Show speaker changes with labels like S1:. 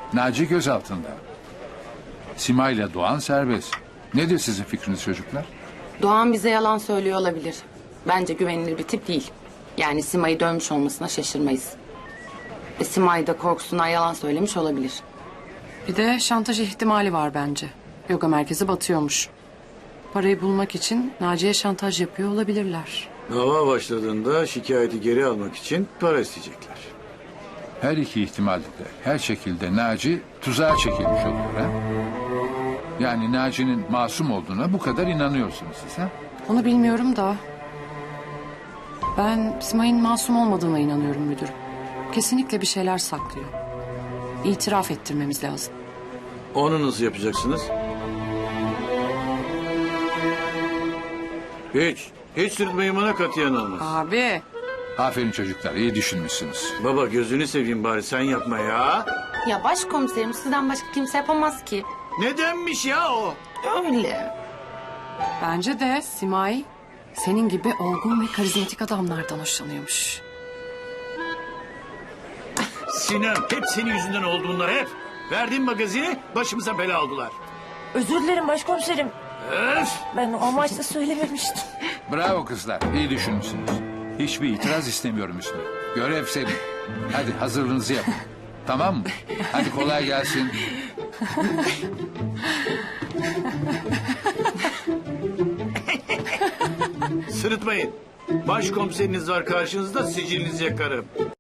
S1: Naci gözaltında. Simay ile Doğan serbest. Nedir sizin fikriniz çocuklar?
S2: Doğan bize yalan söylüyor olabilir. Bence güvenilir bir tip değil. Yani Simay'ı dövmüş olmasına şaşırmayız. Simay da korkusundan yalan söylemiş olabilir.
S3: Bir de şantaj ihtimali var bence. Yoga merkezi batıyormuş. Parayı bulmak için Naciye şantaj yapıyor olabilirler.
S4: Dava başladığında şikayeti geri almak için para isteyecekler.
S1: Her iki ihtimalde de her şekilde Naci tuzağa çekilmiş oluyor ha? Yani Naci'nin masum olduğuna bu kadar inanıyorsunuz siz ha?
S3: Onu bilmiyorum da... Ben Simay'ın masum olmadığına inanıyorum müdürüm. Kesinlikle bir şeyler saklıyor. İtiraf ettirmemiz lazım.
S4: Onu nasıl yapacaksınız? Hiç sırıtmayın bana katiyen olmaz.
S3: Abi.
S1: Aferin çocuklar, iyi düşünmüşsünüz.
S4: Baba gözünü seveyim bari sen yapma ya.
S2: Ya başkomiserim sizden başka kimse yapamaz ki.
S4: Nedenmiş ya o?
S2: Öyle.
S3: Bence de Simay senin gibi olgun ve karizmatik adamlardan hoşlanıyormuş.
S4: Sinem hep senin yüzünden oldu bunlar hep. Verdiğin magazini başımıza bela aldılar.
S5: Özür dilerim başkomiserim.
S4: Öf!
S5: Ben o amaçla söylememiştim.
S1: Bravo kızlar, iyi düşünmüşsünüz. Hiçbir itiraz istemiyorum üstüne. Görev senin. Hadi hazırlığınızı yapın. Tamam mı? Hadi kolay gelsin.
S4: Sırıtmayın. Başkomiseriniz var karşınızda sicilinizi yakarım.